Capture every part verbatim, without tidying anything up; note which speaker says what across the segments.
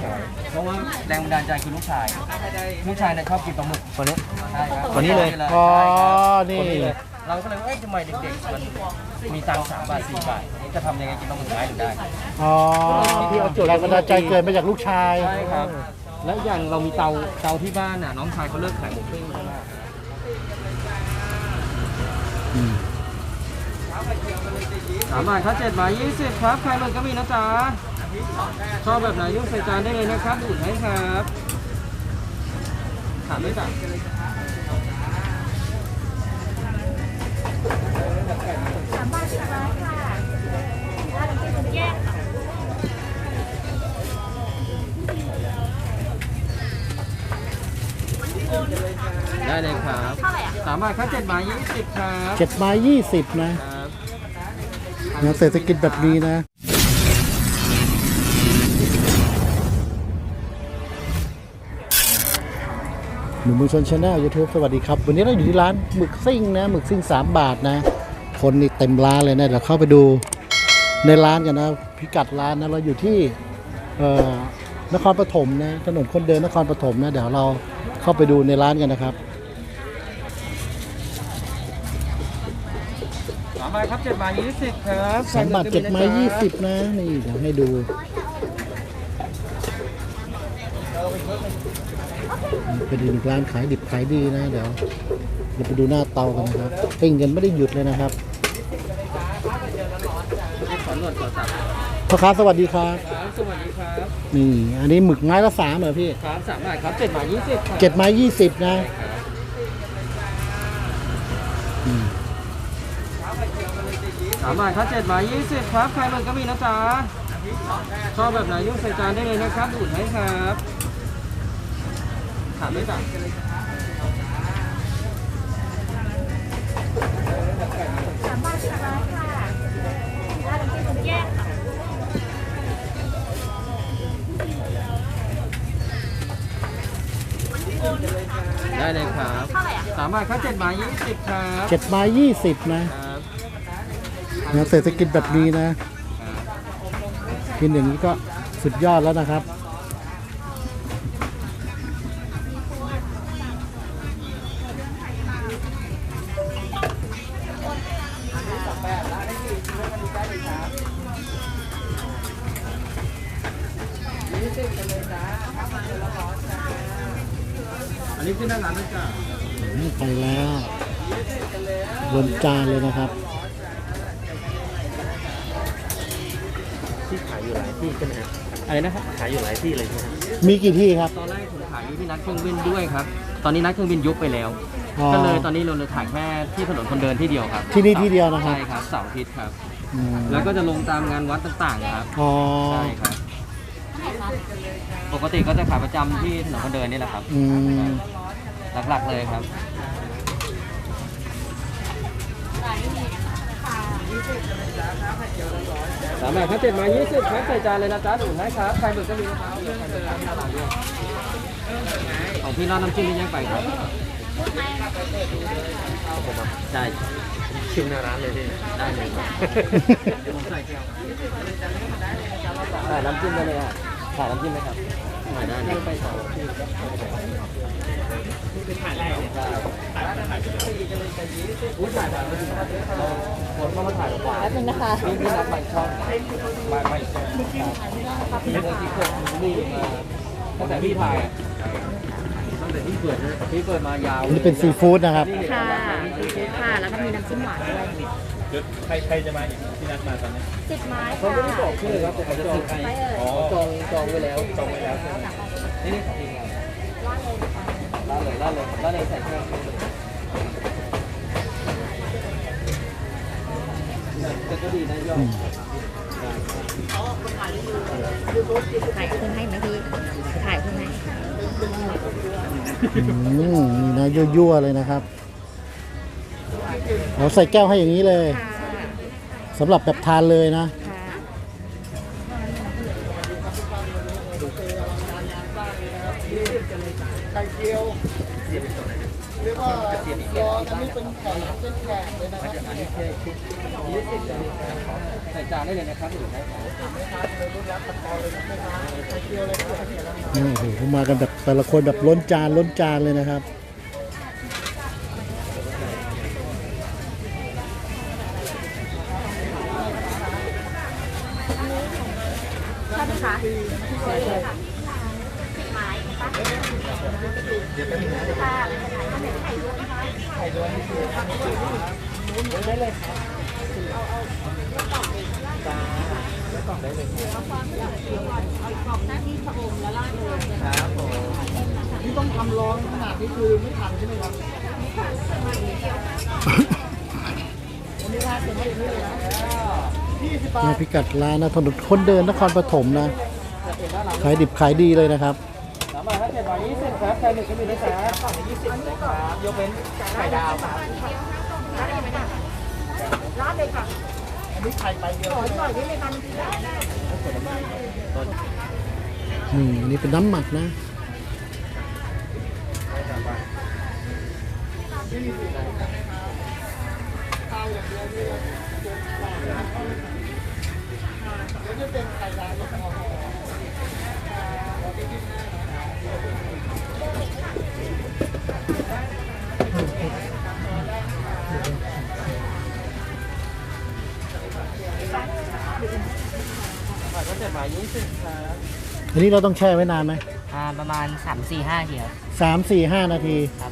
Speaker 1: เพราะว่าแรงบันดาลใจคือลูกชายลูกชายเนี่ยชอบกินปลาหมึก
Speaker 2: ตัวนี้
Speaker 1: ใช่ครับ
Speaker 2: ตัวนี้เลย
Speaker 1: ใช่
Speaker 2: อ๋อ
Speaker 1: ครับ
Speaker 2: นี่
Speaker 1: ตัวเลยเราก็เลยว่าเอ๊ะทำไมเด็กๆมันมีตังค์สามบาทสี่บาทจะทำยังไงกินปลาหมึกไม้ถึงได้
Speaker 2: อ๋อแรงบันดาลใจเกิดมาจากลูกชาย
Speaker 1: ใช่ครับ แล้วอย่างเรามีเตาเตาที่บ้านน่ะน้องชายเขาเลิกขายหมูปิ้งใช่ไหม
Speaker 2: อืม
Speaker 1: สามบาทครับเจ็ดบาทยี่สิบครับใครมันก็มีนะจ๊ะชอบแบบไหนยุ่งใส่จานได้เลยนะครับดูดให้ครับถามได้จ้ะ
Speaker 3: สามบาทสิบบาทค่ะร้านน้ำจิ้มแยกค่ะ
Speaker 1: ได้เลยครับ
Speaker 3: เท่าไหร่อ่ะ
Speaker 1: สามบาทครับเจ็ดบาทยี่สิบครับ
Speaker 2: เจ็ดไม้ยี่สิบนะ
Speaker 1: ครับ
Speaker 2: นะเศรษฐกิจแบบนี้นะหนุ่มมือชนชาแนลยูทูบสวัสดีครับ วันนี้เราอยู่ที่ร้านหมึกซิ่งนะหมึกซิ่งสามบาทนะ คนนี่เต็มร้านเลยนะเดี๋ยวเข้าไปดูในร้านกันนะพิกัดร้านนะเราอยู่ที่เอ่อนครปฐมนะถนนคนเดินนครปฐมนะเดี๋ยวเราเข้าไปดูในร้านกันนะครับ
Speaker 1: สามบาทครับเจ็ดบาทยี่สิบครับ
Speaker 2: สามบาทเจ็ดไม้ยี่สิบนะนี่เดี๋ยวให้ดูเป็นอีกร้านขายดิบขายดีนะเดี๋ยวเราไปดูหน้าเตากันนะครับปิ้งกันไม่ได้หยุดเลยนะครับ
Speaker 1: ขอหนวดขอสับ
Speaker 2: พ่อค้าสวัสดีครับ
Speaker 1: ครับสวัสดีครับ
Speaker 2: นี่อันนี้หมึกไม้ละสามเหรอพี่
Speaker 1: ครับสามบาทครับเจ็ดบาทยี่สิบครับ
Speaker 2: เจ็ดไม้ยี่สิบนะอืม
Speaker 1: สามบาทครับเจ็ดบาทยี่สิบครับใครมันก็มีนะจ๊ะชอบแบบไหนยุ่งใส่จานได้เลยนะครับดูดให้ครับถามได้จ้ะ
Speaker 3: สามบาทสิบบาทค่ะร้านน้ำจิ้มแยกค่ะ
Speaker 1: ได้เลยครับ
Speaker 3: เท่าไหร่อ่ะ
Speaker 1: สามบาทครับเจ็ดบาทยี่สิบครับ
Speaker 2: เจ็ดไม้ยี่สิบนะครับ นะเศรษฐกิจแบบนี้นะ กินอย่างนี้ก็สุดยอดแล้วนะครับ
Speaker 1: อันนี้ขึ้นด้านหลังนะจ๊ะ
Speaker 2: อืมไปแล้วบนจานเลยนะครับ
Speaker 4: ที่ขายอยู่หลายที่ใช่ไหมครับ
Speaker 1: อะไรนะครับ
Speaker 4: ขายอยู่หลายที่เลยใช่ไหมครับ
Speaker 2: มีกี่ที่ครับ
Speaker 1: ตอนแรกผมขายอยู่ที่นัดเครื่องบินด้วยครับ ตอนนี้นัดเครื่องบินยุบไปแล้ว
Speaker 2: อ๋อ
Speaker 1: ก็เลยตอนนี้เราเลยถ่ายแค่ที่ถนนคนเดินที่เดียวครับ
Speaker 2: ที่นี่ที่เดียวนะครับ
Speaker 1: ใช่ครับเสาร์อาทิตย์ครับ
Speaker 2: อืม
Speaker 1: แล้วก็จะลงตามงานวัดต่างๆครับ
Speaker 2: อ๋อ
Speaker 1: ใช่ครับ ปกติก็จะขายประจำที่ถนนคนเดินนี่แหละครับ
Speaker 2: อืม
Speaker 1: หลักๆเลยครับสามบาทครับเจ็ดมายี่สิบครับใส่จานเลยนะจ๊ะดูนะครับใครหมึกก็มีนะครับของพี่น้องน้ำจิ้มนี่ยังไปครับใช่
Speaker 4: ชิมหน้าร้านเลยพี่
Speaker 1: ได้เลยครับผมใส่แก้วใส่น้ำจิ้มได้เลยอ่ะใส่น้ำจิ้มไหมครับใส่ได้เลยไปต่อถ่ายแรกใช่อุ้ยถ่ายถ่ายมาถึงคนเข้ามาถ่ายกว่า
Speaker 3: แป๊บนึงนะคะ
Speaker 1: นี่พี่นับใบช่องใบใบช่องพี่เมื่อกี้เคยรีบมาตั้งแต่พี่ถ่ายตั้งแต่พี่เปิดนะพี่เปิดมายาว
Speaker 2: อันนี้เป็นซีฟู้ดนะครับ
Speaker 3: ค่ะค่ะ แล้วก็มีน้ำจิ้มหวานด้วย
Speaker 4: ใครใครจะมาอีกที่นัดมาตอนนี้
Speaker 3: สิบไม้
Speaker 1: เขา
Speaker 3: ค่ะ
Speaker 1: ไม่ได้บอกชื่อครับแต่เขาจะซื้อให้
Speaker 3: ไปเอ่ย
Speaker 1: อ๋อจองจองไว้แล้วจองไว้แล้วนี่นี่ของทีมงานล่าเลยล่าเลยล่าเลยใส่เครื่องแต่ก็ดีนะยอด
Speaker 3: ถ่ายเครื่องให้ไหมพี่ถ่ายเครื่องให้
Speaker 2: อืมนี่นะยั่วๆเลยนะครับเราใส่แก้วให้อย่างนี้เลย
Speaker 3: ค่ะ
Speaker 2: สำหรับแบบทานเลยนะ
Speaker 3: ค่ะ
Speaker 2: เรียกว่ารออันนี้เป็นแขกเป็นแขกเลยนะครับ
Speaker 1: อันนี้แค่ชุดยี่สิบเลยใส่จานได้เลยนะครับหรือใช้ของ
Speaker 2: นี่โอ้โหเขามากันแบบแต่ละคนแบบล้นจานล้นจานเลยนะครับ
Speaker 3: ใช่ไหมคะใช่เลยค่ะสิบไม้ค่ะค่ะไข่ลวกนะคะไข่ลวกได้เลยค่ะแล้วกล่องได้เลยเอาความอยากเกี่ยวก่อนเอากล่องหน้าที่ชะอมแล้วราดเลยครับผม
Speaker 2: ที่ต้องทำร้อนขนาดนี้คือไม่ทันใช่ไหมครับ
Speaker 3: ไม่ค่ะประมาณนี้เดียว
Speaker 2: วันนี้ร้านเสร็จไม่ได้เลยนะยี่สิบบาทพิกัดร้านนะถนนคนเดินนครปฐมนะขายดิบขายดีเลยนะครับ
Speaker 1: สามบาทถ้าเจ็ดบาทยี่สิบครับไข่หมึกก็มีนะจ๊ะกล่องยี่สิบนะครับยกเว้นไข่ดาวครับ
Speaker 3: ราดเลยค่ะ
Speaker 2: อันนี้ไข่ใบเดียว
Speaker 3: ขอหน่อยได้ไหมคะ
Speaker 2: อืมอันนี้เป็นน้ำหมักนะ
Speaker 1: บาทก็เจ็ดบาทยี่สิบครับ
Speaker 2: อันนี้เราต้องแช่ไว้นานไหม
Speaker 5: อ่าประมาณสามสี่ห้าทีครับ
Speaker 2: สามสี่ห้านาที
Speaker 5: ครับ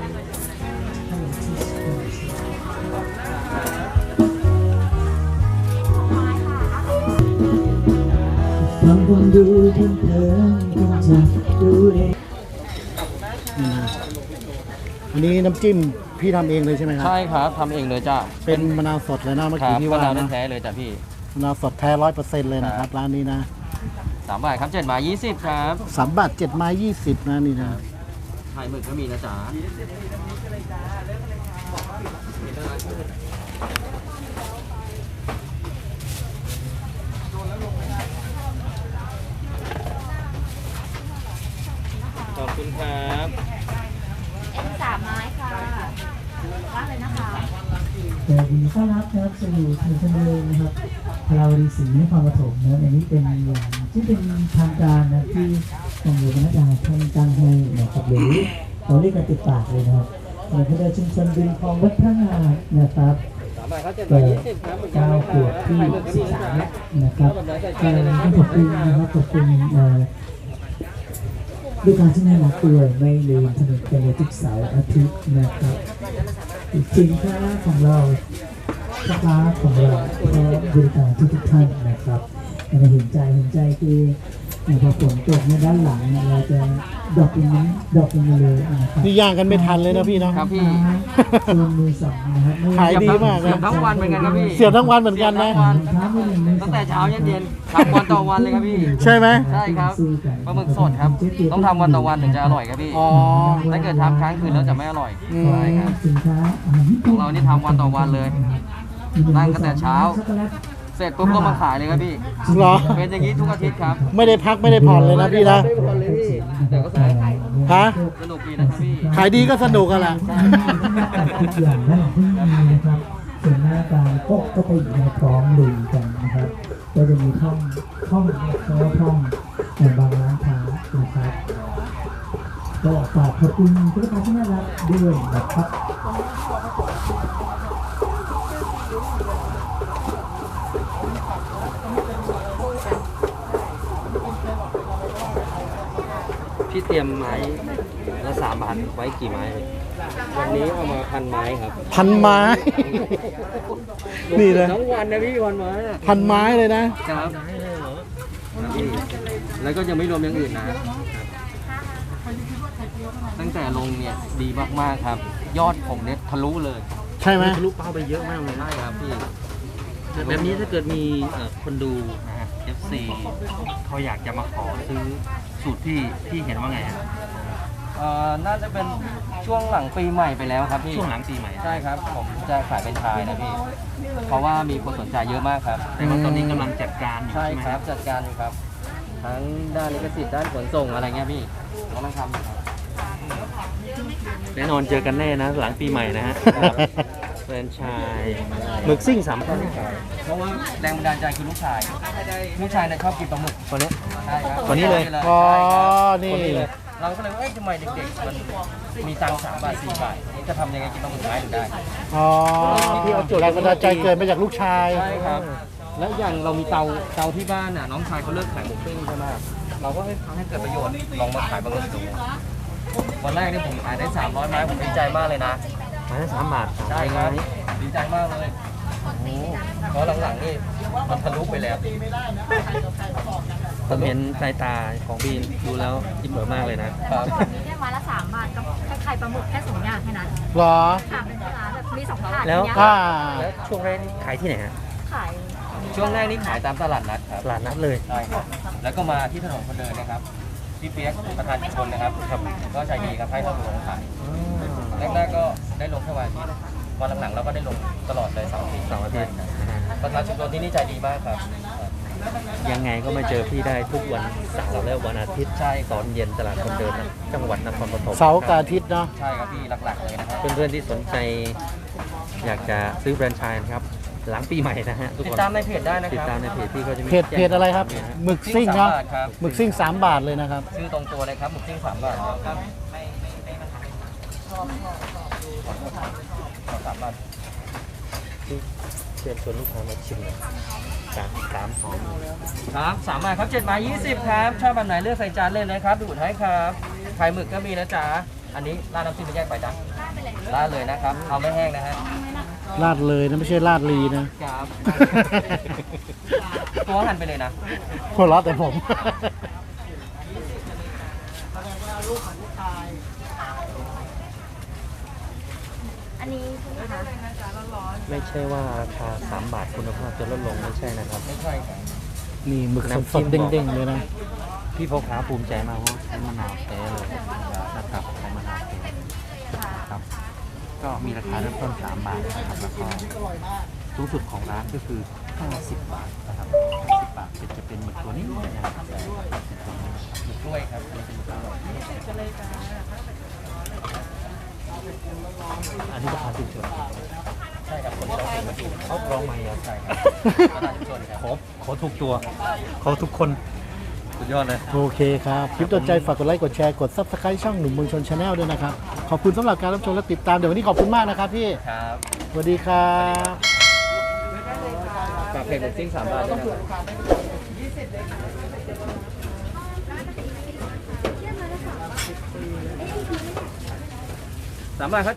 Speaker 6: บางคนดูเพลินเพลินคงจะดูเอง
Speaker 2: นี่นะอันนี้น้ำจิ้มพี่ทำเองเลยใช่ไหมครับ
Speaker 1: ใช่ครับทำเองเลยจ้ะ
Speaker 2: เป็นมะนาวสดเลยนะเมื่อ
Speaker 1: ครั
Speaker 2: กี้
Speaker 1: บ
Speaker 2: ที่
Speaker 1: มะ
Speaker 2: ว่าน
Speaker 1: าว
Speaker 2: นะ
Speaker 1: แท้ๆเลยจ้ะพี่
Speaker 2: มะนาวสดแท้ร้อยเปอร์เซ็นต์เลยนะครับร้านนี้นะ
Speaker 1: สามบาทครับเจ็ดบาทยี่สิบครับ
Speaker 2: สามบาทเจ็ดไม้ยี่สิบนะนี่นะ
Speaker 1: ไข่หมึกก็มีนะจ๊ะขอบคุณครับ
Speaker 3: เอ็นสามไม้ค่ะราดเลยนะคะ
Speaker 6: แต่ยินดีต้อนรับนะครับสู่ถิ่นเสนอนะครับพลาวดีศรีนครปฐมนะอันนี้เป็นอย่างที่เป็นทางการนะที่ทางหลวงรัชกาลท่านตั้งให้นะครับหรือเราเรียกกันติดปากเลยนะครับในพระเดชชุมชนริมคลองวัดพระงานะครับ
Speaker 1: สามบาทครับเจ็ดบาทยี่สิบครับเหมือนกัน
Speaker 6: เก้า
Speaker 1: นะค
Speaker 6: ข
Speaker 1: รับ
Speaker 6: วบที่
Speaker 1: ไข่หมึกก็
Speaker 6: สิ
Speaker 1: มี
Speaker 6: บ
Speaker 1: นะ
Speaker 6: สาม
Speaker 1: จ๊ะ
Speaker 6: นะครับเอ่อต้องขอบคุณนะครับขอบคุณเอ่อด้วยการที่น่ารักด้วยไม่ลืมสนุกกันในทุกเสาร์อาทิตย์นะครับสินค้าของเราลูกค้าของเราพร้อมบริการทุกทุกๆท่านนะครับแต่เห็นใจเห็นใจคือพอฝนตกในยด้านหลังเนี่ยเราจะดรอกลงนี้ดรอกลงมาเลยนะครับ
Speaker 2: นี่ย่างกันไม่ทันเลยนะพี่เนาะ
Speaker 1: ครับพี่
Speaker 6: ตัวมือสองนะครับไม่ว่
Speaker 2: ขายดีมากเลย
Speaker 1: เสียบทั้งวันเหมือนกันครับพี่
Speaker 2: เสียบทั้งวันเหมือนกันนะ
Speaker 1: เสียบทั้งวัน
Speaker 6: ค้าไม่มีมือสอ
Speaker 1: ตั้งแต่เช้ายันเย็นทำวันต่อวันเลยครับพี่
Speaker 2: ใช่ไหม
Speaker 1: ใช่ครับปลาหมึกสดครับ ต้องทำวันต่อวันถึงจะอร่อยครับพี่
Speaker 2: อ๋อ
Speaker 1: ถ้าเกิดทำค้างคืนแล้วจะไม่อร่อย
Speaker 2: อืม
Speaker 1: ใช่ครับ
Speaker 6: สินค้าอาหารญี่ปุ่น
Speaker 1: ของเรานี่ทำวันต่อวันเลยนั่งตั้งแต่เช้า เสร็จปุ๊บก็มาขายเลยครับพี่
Speaker 2: เหรอ
Speaker 1: เป็นอย่างนี้ทุกอาทิตย์ครับ
Speaker 2: ไม่ได้พักไม่ได้ผ่อนเลยนะพี่นะ
Speaker 1: ไม่ได้ผ่อนเลยพี่แต่ก็สนุก
Speaker 2: ฮะ
Speaker 1: สนุกดีนะครับพี่
Speaker 2: ขายดีก็สนุกกันแหละ
Speaker 6: ทุกอย่างนั่นที่มีนะครับส่วนหน้าการก็ก็ไปอยู่ในพร้อมลุยกันนะครับก็จะมีห้องห้องเพราะว่าห้องในบางร้านค้านะครับก็ฝากขอบคุณทุกท่านที่น่ารักด้วยนะครับ
Speaker 1: พี่เตรียมไม้ละสามบาทไว้กี่ไม้วันนี้เอามาพันไม้ครับ
Speaker 2: พันไม้ นี่เลย
Speaker 1: ทั้งวันนะพี่พันไม้อะ
Speaker 2: พันไม้เลยนะ
Speaker 1: ครับพี่แล้วก็ยังไม่รวมอย่างอื่นนะ ตั้งแต่ลงเนี่ยดีมากๆครับ ยอดผมเนี่ยทะลุเลย
Speaker 2: ใช่ไหม
Speaker 4: ทะลุเป้าไปเยอะมากเลย
Speaker 1: ใช่ครับพี่
Speaker 4: แบบนี้ถ้าเกิดมีเอ่อคนดูนะฮะ เอฟ ซี เขาอยากจะมาขอซื้อสูตรพี่พี่เห็นว่าไงฮะ
Speaker 1: เอ่อน่าจะเป็นช่วงหลังปีใหม่ไปแล้วครับพี่
Speaker 4: ช่วงหลังปีใหม่
Speaker 1: ใช่ครับ ผมจะขายเป็นไชายนะพี่ เพราะว่ามีคนสนใจเยอะมากครับ
Speaker 4: แต่ว่าตอนนี้กำลังจัดการอยู่
Speaker 1: ใช่
Speaker 4: ใช่ไหม
Speaker 1: ครับจัดการอยู่ครับ ทั้งด้านลิขสิทธิ์ด้านขนส่งอะไรเงี้ยพี่กำลังทำอยู่ครับ
Speaker 4: แน่นอนเจอกันแน่นะหลังปีใหม่นะฮะแฟรนไชส์หมึกซิ่งสามพัน
Speaker 1: เพราะว่าแรงบันดาลใจคือลูกชาย ลูกชายเนี่ยชอบกินปลาหมึก
Speaker 4: คนนี้
Speaker 1: ใช่ครับ
Speaker 4: คนนี้เลย
Speaker 2: อ๋อ
Speaker 1: ใช่
Speaker 2: นี่
Speaker 1: ครับคนนี้เลยเราก็เลยว่าเอ๊ะทำไมเด็กๆมันมีตังค์สามบาทสี่บาทจะทำยังไงกินปลาหมึกไม้ถึงได้
Speaker 2: อ๋อแรงบันดาลใจเกิดมาจากลูกชาย
Speaker 1: ใช่ครับ แล้วอย่างเรามีเตาเตาที่บ้านน่ะน้องชายเขาเลิกขายหมูปิ้งใช่ไหมเราก็ให้ให้เกิดประโยชน์ลองมาขายปลาหมึกดูวันแรกนี่ผมขายได้สามร้อยไม้ผมดีใจมากเลยนะ
Speaker 4: ไมาสามบาท
Speaker 1: ใช่ครับดีใจมากเลยเพราะหลังๆนี่มันทะลุไปแล้ว
Speaker 4: ผมเห็นสายตาของบีนดูแล้วอิ่มเอิบมากเลยนะ
Speaker 1: ครับ
Speaker 3: แค่ไม้ละสามบาทกับไข่ปลาหมึกแค่สองอย่างแค่นั้น
Speaker 2: เหรอ
Speaker 3: ค่ะเป็นร้านแบบมีสองถาด
Speaker 4: แล้ว
Speaker 3: เนี้ย
Speaker 2: อ่า
Speaker 4: แล้วช่วงแรกนี่ขายที่ไหนฮะ
Speaker 3: ขาย
Speaker 1: ช่วงแรกนี่ขายตามตลาดนัดครับ
Speaker 4: ตลาดนัดเลย
Speaker 1: ใช่ครับ แล้วก็มาที่ถนนคนเดินนะครับพี่เปียกประธานชุมชนนะครับครับ ก็ใจดีครับให้เราลงขายแรกๆก็ได้ลงแค่วันอาทิตย์วันหลังๆเราก็ได้ลงตลอดเลยเสาร์อาทิตย์
Speaker 4: เสาร์อาทิตย์
Speaker 1: ประธานชุมชนที่นี่ใจดีมากครับ
Speaker 4: ยังไงก็มาเจอพี่ได้ทุกวันเสาร์และวันอาทิตย์
Speaker 1: ใช่
Speaker 4: ตอนเย็นตลาดคนเดินนะจังหวัดนครปฐม
Speaker 2: เสาร์กับอาทิตย์เนาะ
Speaker 1: ใช่ครับพี่หลักๆเลยนะครับ
Speaker 4: เพื่อนๆที่สนใจ อยากจะซื้อแฟรนไชส์นะครับ หลังปีใหม่นะฮะทุก
Speaker 1: ติด
Speaker 4: คน
Speaker 1: ตามในเพจได้นะค
Speaker 4: ติด
Speaker 1: รับ
Speaker 4: ตามในเพจพี่ก็จะมี
Speaker 2: เพจเพจอะไรครับหมึกซิ่งเนาะ
Speaker 1: สามบาทครับ
Speaker 2: หมึกซิ่งสามบาทเลยนะครับ
Speaker 1: ชื่อตรงตัวเลยครับหมึกซิ่งสามบาทครับสามบาท
Speaker 4: เชิญชวนลูกค้ามาชิมหน่อยสามสามหอม
Speaker 1: ครับสามบาทครับเจ็ดไม้ยี่สิบครับชอบแบบไหนเลือกใส่จานเลยนะครับดูดให้ครับไข่หมึกก็มีนะจ๊ะอันนี้ราดน้ำจิ้มไม่แยกไปจ้ะราดเลยนะครับเอาไม่แห้งนะฮะ
Speaker 2: ลาดเลยนะไม่ใช่ลาดลีนะ
Speaker 1: ครับ ตัวหั่นไปเลยนะ
Speaker 2: หัวเราะแต่ผม
Speaker 3: อันนี้ใช่ไหมคะ
Speaker 4: ไม่ใช่ว่าราคาสามบาทคุณภาพจะลดลงไม่ใช่นะครับ
Speaker 1: ไม่ใช่ครับ
Speaker 2: นี่หมึกสดๆเด้งๆเลยนะ
Speaker 4: พี่พ่อค้าภูมิใจมากเพราะใช้มะนาวแท้เลยนะครับใช้มะนาวแท้ครับ ก็มีราคาเริ่มต้นสามบาทนะครับแล้วก็สูงสุดของร้านก็คือห้าสิบบาทนะครับห้าสิบบาทจะเป็นหมึกตัวนี้นะครับ
Speaker 1: ด้วยครับ
Speaker 4: อันนี้ราคาชุมชน
Speaker 1: ใช่ครับคนที่เราเป็นมาดู
Speaker 4: เขาลองใหม่เหรอ
Speaker 1: ใช่ครับประธานชุมชนครับ
Speaker 4: ขอขอทุกตัว ขอทุกคนสุดยอดเลย
Speaker 2: โอเคครับ คลิปต่อใจฝากกดไลค์ กดแชร์ กด ซับสไครต์ ช่องหนุ่มเมืองชนชาแนลด้วยนะครับ ขอบคุณสำหรับการรับชมและติดตาม เดี๋ยววันนี้ขอบคุณมากนะครับพี่
Speaker 1: ครับ
Speaker 2: สวัสดีครับ
Speaker 1: ฝากเพจหมึกซิ่งสามบาทด้วยนะครับสามบาทครับ